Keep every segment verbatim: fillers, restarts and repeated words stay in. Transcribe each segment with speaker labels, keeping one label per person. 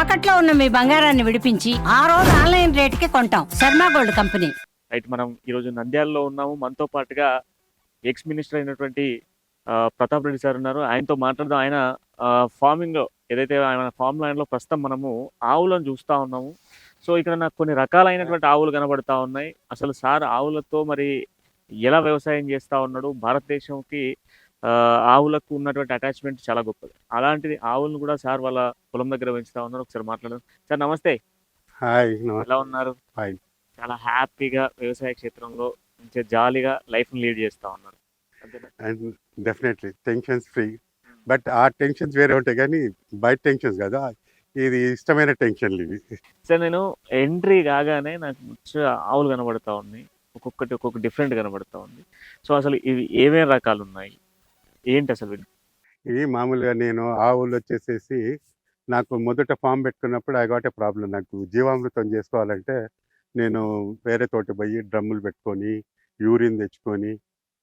Speaker 1: తాకట్లో ఉన్న మీ బంగారాన్ని విడిపించి ఆ రోజు ఆన్లైన్ రేటుకి కొంటాం. Sharma gold company.
Speaker 2: రైట్, మనం ఈరోజు నంద్యాలలో ఉన్నాము. మనతో పాటుగా ఎక్స్ మినిస్టర్ అయినటువంటి ఆ, ప్రతాప్ రెడ్డి సార్ ఉన్నారు. ఆయనతో మాట్లాడదాం. ఆయన ఫార్మింగ్ లో ఏదైతే ఆయన ఫార్మ్ ల్యాండ్ లో ప్రస్తుతం మనము ఆవులను చూస్తా ఉన్నాము. సో ఇక్కడ నాకు కొన్ని రకాలైనటువంటి ఆవులు కనబడతా ఉన్నాయి. అసలు సార్ ఆవులతో మరి ఎలా వ్యవసాయం చేస్తా ఉన్నాడు, భారతదేశంకి ఆ, ఆవులకు ఉన్నటువంటి అటాచ్మెంట్ చాలా గొప్పది. అలాంటిది ఆవులను కూడా సార్ వాళ్ళ పొలం దగ్గర పెంచుతా ఉన్నారు. ఒకసారి మాట్లాడదాం. సార్ నమస్తే,
Speaker 3: హాయ్
Speaker 2: ఎలా
Speaker 3: నమస్తే
Speaker 2: ఉన్నారు?
Speaker 3: ఫైన్
Speaker 2: చాలా హ్యాపీగా వ్యవసాయ క్షేత్రంలో మంచిగా జాలీగా లైఫ్ లీడ్ చేస్తా ఉన్నారు. అంతేనా?
Speaker 3: And definitely tensions free. But ఆ టెన్షన్స్ వేరే ఉంటాయి కానీ బయట టెన్షన్స్ కదా, ఇది ఇష్టమైన టెన్షన్లు ఇవి.
Speaker 2: సార్ నేను ఎంట్రీ కాగానే నాకు మంచిగా ఆవులు కనబడతా ఉన్నాయి. ఒక్కొక్కటి ఒక్కొక్క డిఫరెంట్ కనబడతా ఉంది. సో అసలు ఇవి ఏమేం రకాలు ఉన్నాయి, ఏంటి అసలు వీటి-
Speaker 3: ఇవి మామూలుగా నేను ఆవులు వచ్చేసేసి నాకు మొదట ఫామ్ పెట్టుకున్నప్పుడు ఐ గాట్ ఏ ప్రాబ్లం. నాకు జీవామృతం చేసుకోవాలంటే నేను వేరే తోట పోయి డ్రమ్ములు పెట్టుకొని యూరిన్ తెచ్చుకొని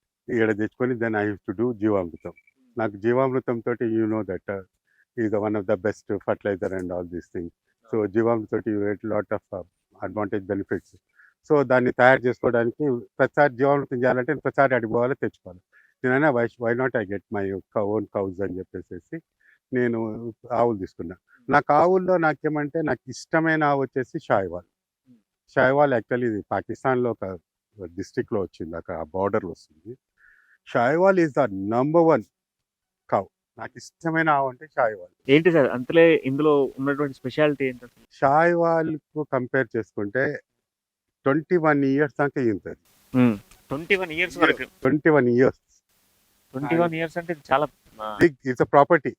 Speaker 3: ఈడ తెచ్చుకొని then I use to do జీవామృతం. నాకు జీవామృతం తోటి you know that is one of the best fertiliser and all these things. So jeevamrutham you get lot of advantage benefits. So దాన్ని తయారు చేసుకోవడానికి ప్రతిసారి జీవామృతం చేయాలంటే ప్రతిసారి అడిగిపోవాలి, తెచ్చుకోవాలి. నేనైనా why why not I get my own కౌజ్ అని చెప్పేసి నేను ఆవులు తీసుకున్నా. నాకు ఆవుల్లో నాకేమంటే నాకు ఇష్టమైన ఆవు వచ్చేసి షాయివాల్. షాయివాల్ యాక్చువల్లీ ఇది పాకిస్తాన్లో ఒక డిస్ట్రిక్ట్లో వచ్చింది, అక్కడ ఆ బార్డర్లో వస్తుంది. షాయివాల్ is the number one cow. నాకు ఇష్టమైన ఆవు అంటే షాయివాల్.
Speaker 2: ఏంటి సార్ అంతలే ఇందులో ఉన్నటువంటి స్పెషాలిటీ ఏంటి అసలు?
Speaker 3: షాయివాల్కు కంపేర్ చేసుకుంటే ట్వంటీ వన్ ఇయర్స్ దాకా ఈంతది.
Speaker 2: ట్వంటీ వన్ ఇయర్స్ వరకు.
Speaker 3: Twenty one years
Speaker 2: twenty one years అంటే ఇది చాలా ఆ,
Speaker 3: బిగ్. ఇట్స్ అ ప్రాపర్టీ,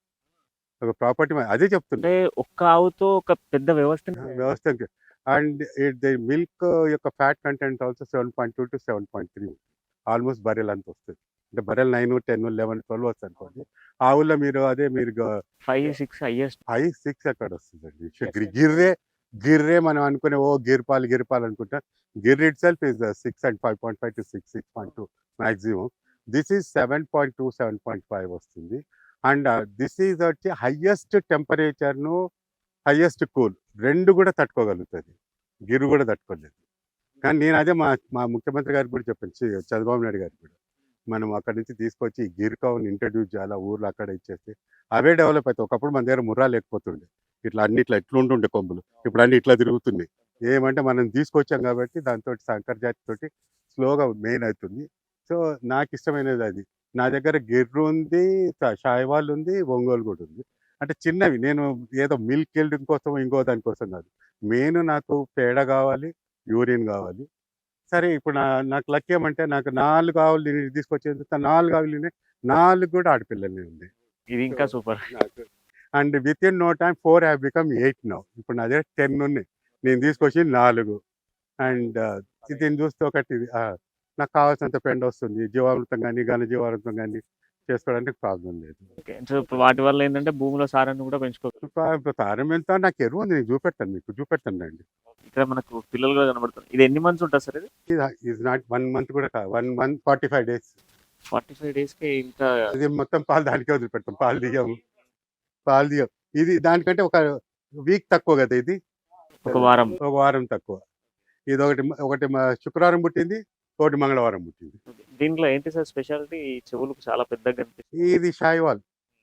Speaker 3: ఒక ప్రాపర్టీ. అదే చెప్తున్నా
Speaker 2: అంటే ఒక్క ఆవుతో ఒక పెద్ద వ్యవస్థ.
Speaker 3: వ్యవస్థ. అండ్ ది మిల్క్ యొక్క fat content also seven point two to seven point three almost బరెల్ అంత వస్తుంది. అంటే బరెల్ నైన్ టెన్ లెవెన్ ట్వెల్వ్ వస్తుంది అనుకోండి. ఆవుల్లో మీరు అదే మీరు
Speaker 2: five six years.
Speaker 3: Five six ఎక్కడ వస్తుందండి? గిర్రే గిర్రే మనం అనుకునే ఓ గిర్పాలు గిర్పాలు అనుకుంటా. Gir it self is six and five point five to six six point two maximum. This is seven point two seven point five వస్తుంది. అండ్ దిస్ ఈజ్ వచ్చి హయ్యెస్ట్ టెంపరేచర్ను హయ్యెస్ట్ కూల్ రెండు కూడా తట్టుకోగలుగుతుంది. గిరు కూడా తట్టుకోలేదు. కానీ నేను అదే మా మా ముఖ్యమంత్రి గారికి కూడా చెప్పాను, చి- చంద్రబాబు నాయుడు గారికి కూడా, మనం అక్కడి నుంచి తీసుకొచ్చి ఈ గిర్ కౌని ఇంట్రడ్యూస్ చేయాలి ఊర్లో, అక్కడ ఇచ్చేసి అవే డెవలప్ అవుతాయి. ఒకప్పుడు మన దగ్గర ముర్రా లేకపోతుండే, ఇట్లా అన్ని ఇట్లా ఎట్లుంటుండే కొమ్ములు, ఇప్పుడు అన్ని ఇట్లా తిరుగుతున్నాయి. ఏమంటే మనం తీసుకొచ్చాం కాబట్టి దాంతో సంకరజాతి తోటి స్లోగా మెయిన్ అవుతుంది. సో నాకు ఇష్టమైనది అది. నా దగ్గర గిర్రు ఉంది, షా- షాయివాల్ ఉంది, ఒంగోలు కూడా ఉంది. అంటే చిన్నవి, నేను ఏదో మిల్క్ గిల్డింగ్ కోసం ఇంకో దానికోసం కాదు. మెయిన్ నాకు పేడ కావాలి, యూరిన్ కావాలి. సరే ఇప్పుడు నా నాకు లక్ ఏమంటే నాకు నాలుగు ఆవులు నేను తీసుకొచ్చేది, నాలుగు ఆవులు నాలుగు కూడా ఆడపిల్లలే ఉంది
Speaker 2: ఇది ఇంకా సూపర్.
Speaker 3: నాకు. And with in no time four have become eight now. ఇప్పుడు నా దగ్గర టెన్ ఉన్నాయి, నేను తీసుకొచ్చి నాలుగు. అండ్ దీన్ని చూస్తే ఒకటి ఆ, నాకు కావాల్సినంత పెండ వస్తుంది. జీవామృతం కానీ ఘన జీవామృతం కానీ చేసుకోవడానికి ప్రాబ్లం లేదు.
Speaker 2: ఓకే. సో ఇప్పుడు వాటి వల్ల ఏంటంటే భూమిలో సారాన్ని కూడా పెంచుకోవచ్చు.
Speaker 3: తారం ఎంత నాకు ఎరువు ఉంది, నేను చూపెడతాను, మీకు చూపెడతాను అండి.
Speaker 2: ఇక్కడ మనకు పిల్లలు కూడా కనబడుతుంది. ఇది ఎన్ని మంత్స్ ఉంటుంది సార్? ఇది
Speaker 3: ఇది నాట్ వన్ మంత్ కూడా కాదు, one month forty five days.
Speaker 2: Forty five days కి ఇంకా
Speaker 3: ఇది మొత్తం పాలు దానికే వదిలిపెడతాం. పాలు దిగాము, పాలు దిగాం. ఇది దానికంటే ఒక వీక్ తక్కువ కదా, ఇది
Speaker 2: ఒక వారం.
Speaker 3: ఒక వారం తక్కువ. ఇది ఒకటి ఒకటి మ- శుక్రవారం పుట్టింది, ఒకటి మంగళవారం పుట్టింది.
Speaker 2: దీంట్లో ఏంటి సార్ స్పెషాలిటీ? చెవులకు చాలా పెద్దగా కనిపిస్తుంది.
Speaker 3: ఇది షాయివాల్.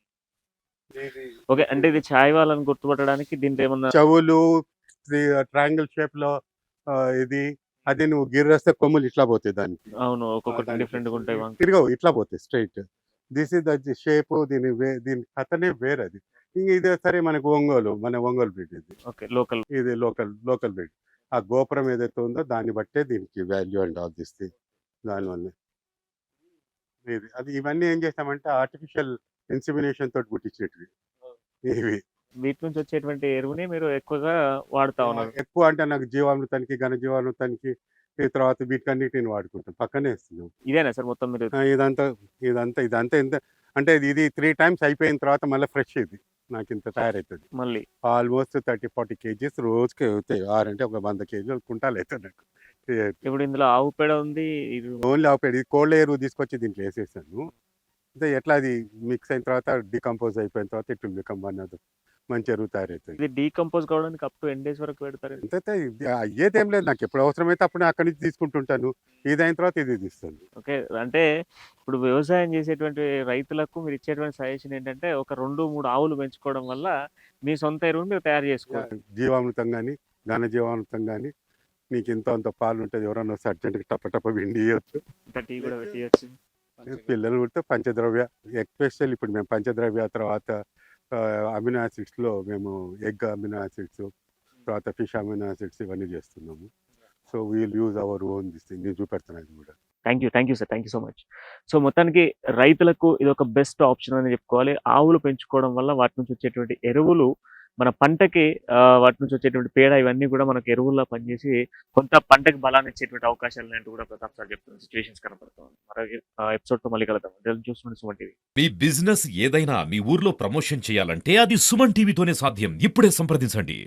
Speaker 2: ఓకే, అంటే ఇది ఛాయ్ వాళ్ళని గుర్తుపట్టడానికి దీంట్లో ఏమన్నా
Speaker 3: చెవులు ట్రయాంగిల్ షేప్ లో ఆ, ఇది అది నువ్వు గిర్రేస్తే కొమ్ములు ఇట్లా పోతాయి దానికి.
Speaker 2: అవును ఒక్కొక్కటి
Speaker 3: దానికి
Speaker 2: డిఫరెంట్ గా ఉంటాయి వంక.
Speaker 3: తిరగవు, ఇట్లా పోతాయి straight. This is the shape. దీని వే- దీని కథనే వేరే. అది ఇంక ఇదే సరే మనకు ఒంగోలు, మన ఒంగోలు బ్రీడ్ ఇది.
Speaker 2: Okay, local.
Speaker 3: ఇది లోకల్ లోకల్ బ్రీడ్. ఆ గోపురం ఏదైతే ఉందో దాన్ని బట్టే దీనికి value and all this thing. దానివల్ల ఇది అది ఇవన్నీ ఏం చేస్తామంటే ఆర్టిఫిషియల్ ఇన్సిమినేషన్ తోటి పుట్టించినవి ఇవి.
Speaker 2: వీటి నుంచి వచ్చేటువంటి ఎరువుని మీరు ఎక్కువగా వాడుతా ఉన్నారు.
Speaker 3: ఎక్కువ అంటే నాకు జీవామృతానికి ఘన జీవామృతానికి ఈ తర్వాత వీటికన్నిటిని వాడుకుంటాం, పక్కనే ఇస్తున్నాం.
Speaker 2: ఇదేనా సార్ మొత్తం మీరు?
Speaker 3: ఆ, ఇదంతా ఇదంతా ఇదంతా ఎంత అంటే ఇది త్రీ టైమ్స్ అయిపోయిన తర్వాత మళ్ళీ ఫ్రెష్ ఇది నాకు ఇంత తయారవుతుంది.
Speaker 2: మళ్ళీ
Speaker 3: ఆల్మోస్ట్ థర్టీ ఫార్టీ కేజీస్ రోజుకి అవుతాయి. ఆరంటే ఒక వంద కేజీలు కుంటాలు అవుతాయి నాకు.
Speaker 2: ఇప్పుడు ఇందులో ఆవు పేడ ఉంది. ఇది
Speaker 3: ఓన్లీ ఆపేది కోళ్ళ ఎరువు తీసుకొచ్చి దీంట్లో వేసేసాను. అంటే ఎట్లా అది మిక్స్ అయిన తర్వాత డికంపోజ్ అయిపోయిన తర్వాత it will become one of మంచి ఎరువు తయారవుతుంది.
Speaker 2: ఇది డీకంపోజ్ కావడానికి అప్ టు ఎన్ని డేస్ వరకు పెడతారు?
Speaker 3: అంతే అయ్యేదేం లేదు, నాకు ఎప్పుడు అవసరమైతే అప్పుడు నేను అక్కడి నుంచి తీసుకుంటుంటాను, ఇది అయిన తర్వాత ఇది తీస్తాను.
Speaker 2: ఓకే. అంటే ఇప్పుడు వ్యవసాయం చేసేటువంటి రైతులకు మీరు ఇచ్చేటువంటి సజెషన్ ఏంటంటే ఒక రెండు మూడు ఆవులు పెంచుకోవడం వల్ల మీ సొంత ఎరువును మీరు తయారు చేసుకోవాలి.
Speaker 3: జీవామృతం కానీ ఘన జీవామృతం కానీ నీకు ఇంత అంత పాలు ఉంటుంది, ఎవరన్నా వస్తే అర్జెంట్గా టప్ప టప్ప పిండి ఇవ్వచ్చు.
Speaker 2: ఇంకా టీ కూడా పెట్టియచ్చు.
Speaker 3: పిల్లలు పుడితే పంచద్రవ్య, ఎస్పెషల్ ఇప్పుడు మేము పంచద్రవ్య తర్వాత అమినో యాసిడ్స్లో మేము ఎగ్ అమినో యాసిడ్స్, తర్వాత ఫిష్ అమినో యాసిడ్స్ ఇవన్నీ చేస్తున్నాము. So we'll use our own this thing. నేను చూపెడతాను అది కూడా.
Speaker 2: Thank you thank you sir thank you so much. So మొత్తానికి రైతులకు ఇది ఒక బెస్ట్ ఆప్షన్ అని చెప్పుకోవాలి. ఆవులు పెంచుకోవడం వల్ల వాటి నుంచి వచ్చేటువంటి ఎరువులు మన పంటకి ఆ, వాటి నుంచి వచ్చేటువంటి పేడ ఇవన్నీ కూడా మనకు ఎరువుల్లో పనిచేసి కొంత పంటకి బలాన్ని ఇచ్చేటువంటి అవకాశాలు లాంటివి కూడా ప్రతాప్ సార్ చెప్తున్న సిచ్యువేషన్స్ కనపడుతుంది. మరో ఎపిసోడ్ తో మళ్ళీ కలుద్దాం. చూస్తుండే సుమన్ టీవీ.
Speaker 4: మీ బిజినెస్ ఏదైనా మీ ఊర్లో ప్రమోషన్ చేయాలంటే అది సుమన్ టీవీతోనే సాధ్యం. ఇప్పుడే సంప్రదించండి.